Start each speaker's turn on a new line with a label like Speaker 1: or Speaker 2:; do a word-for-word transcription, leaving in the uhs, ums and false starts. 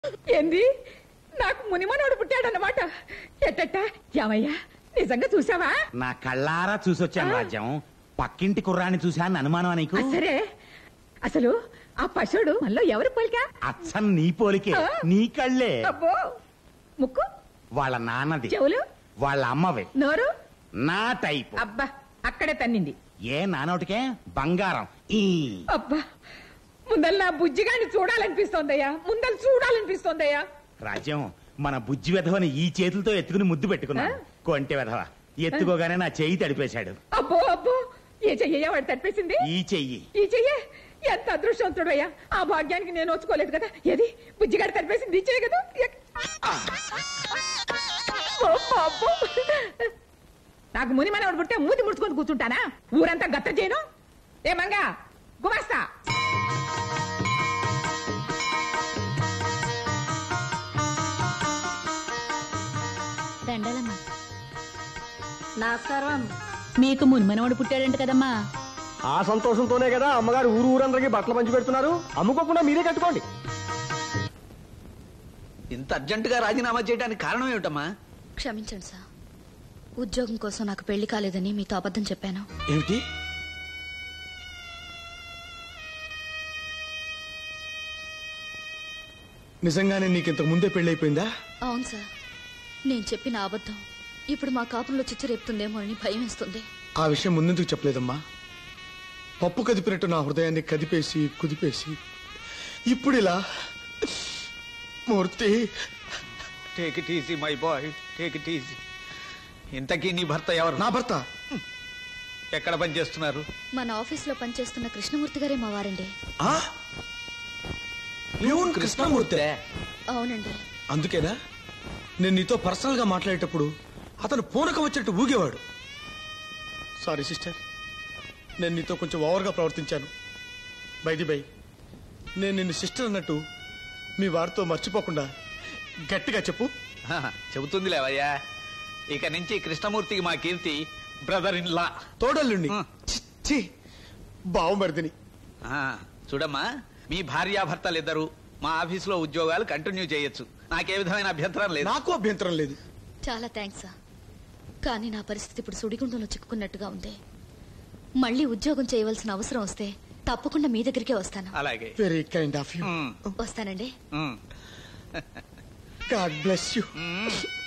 Speaker 1: ఏంది నాకు మునిమనోడు పుట్టాడన్నమాట. ఎట్టట్ట ఏమయ్యా నిజంగా చూసావా?
Speaker 2: నా కళ్ళారా చూసొచ్చాను రాజ్యం. పక్కింటి కుర్రాన్ని చూశాను అనుమానం నీకు?
Speaker 1: సరే అసలు ఆ పశువుడు మనలో ఎవరు పోలికా?
Speaker 2: అచ్చం నీ పోలికే. నీ కళ్ళే.
Speaker 1: అబ్బో ముక్కు
Speaker 2: వాళ్ళ నాన్నది.
Speaker 1: చెవులు
Speaker 2: వాళ్ళ అమ్మవి.
Speaker 1: నోరు
Speaker 2: నా టైప్.
Speaker 1: అబ్బా అక్కడే తన్నింది.
Speaker 2: ఏ నానోటికే బంగారం. ఈ
Speaker 1: అబ్బా ముందల్ నా బుజ్జిగాని చూడాలనిపిస్తోందయ్యా. ముందల్ చూడాలనిపిస్తోందయ్యా.
Speaker 2: రాజ్యం మన బుజ్జి వెధవని ఈ చేతులతో ఎత్తుకుని ముద్దు పెట్టుకున్నా. కొంటె వెధవ ఎత్తుకోగానే నా చెయ్యి తడిపేశాడు.
Speaker 1: అబ్బో అబ్బో ఏ చెయ్యయ్యా వాడు తడిపేసింది?
Speaker 2: ఈ చెయ్యి.
Speaker 1: ఈ చెయ్యే ఎంత అదృష్టవంతుడయ్యా. ఆ భాగ్యానికి నేను వచ్చుకోలేదు కదా. ఏది బుజ్జిగాడు తడిపేసింది ఈ చెయ్యి కదా. నాకు ముని మనవడు పుట్టే మూతి ముడుచుకొని కూర్చుంటానా? ఊరంతా గత్త చేయను. ఏ మంగా గుమాస్తా
Speaker 3: దండలమ్మా.
Speaker 4: నమస్కారం.
Speaker 3: మీకు మునిమనవాడు పుట్టాడంట కదమ్మా.
Speaker 5: ఆ సంతోషంతోనే కదా అమ్మగారు ఊరు ఊరందరికి బట్టలు పంచి పెడుతున్నారు. అమ్ముకోకుండా మీరే కట్టుకోండి.
Speaker 6: ఇంత అర్జెంటుగా రాజీనామా చేయడానికి కారణం ఏమిటమ్మా?
Speaker 3: క్షమించండి సార్, ఉద్యోగం కోసం నాకు పెళ్లి కాలేదని మీతో అబద్ధం చెప్పాను.
Speaker 5: ఏమిటి? నిజంగానే నీకు ఇంతకు ముందే పెళ్ళైపోయిందా?
Speaker 3: అవును సార్, నేను చెప్పిన అబద్ధం ఇప్పుడు మా కాపురంలో చిచ్చు రేపుతుందేమో అని భయం వేస్తుంది.
Speaker 5: ఆ విషయం ముందెందుకు చెప్పలేదమ్మా? పప్పు కదిపినట్టు నా హృదయాన్ని కదిపేసి కుదిపేసి ఇప్పుడు ఇలా. Murthy,
Speaker 6: take it easy my boy, take it easy. ఇంతకీ నీ భర్త ఎవరు?
Speaker 5: నా భర్త
Speaker 6: ఎక్కడ పని చేస్తున్నారు?
Speaker 3: మన ఆఫీస్ లో పనిచేస్తున్న కృష్ణమూర్తి గారే మా వారండి.
Speaker 5: కృష్ణమూర్తి?
Speaker 3: అవునండి.
Speaker 5: అందుకేనా నేను నీతో పర్సనల్ గా మాట్లాడేటప్పుడు అతను పూనకం వచ్చినట్టు ఊగేవాడు. సారీ సిస్టర్, నేను నీతో కొంచెం ఓవర్గా ప్రవర్తించాను. బైది బై, నేను నిన్ను సిస్టర్ అన్నట్టు మీ వారితో మర్చిపోకుండా గట్టిగా చెప్పు.
Speaker 6: చెబుతుంది లేవయ్యా. ఇక నుంచి కృష్ణమూర్తికి మా కీర్తి బ్రదర్ ఇన్ లా.
Speaker 5: తోడల్లుండి బావమరిదిని.
Speaker 6: చూడమ్మా, మీ భార్యాభర్తలిద్దరూ మా ఆఫీసులో ఉద్యోగాలు కంటిన్యూ చేయొచ్చు. నాకే విధమైన అభ్యంతరం లేదు.
Speaker 5: నాకు అభ్యంతరం లేదు.
Speaker 3: చాలా థ్యాంక్స్ సార్, కానీ నా పరిస్థితి ఇప్పుడు సుడిగుండంలో చిక్కుకున్నట్టుగా ఉంది. మళ్ళీ ఉద్యోగం చేయవలసిన అవసరం వస్తే తప్పకుండా మీ దగ్గరికే వస్తాను.
Speaker 6: అలాగే.
Speaker 5: Very kind of you.
Speaker 3: వస్తానండి.
Speaker 5: God bless you.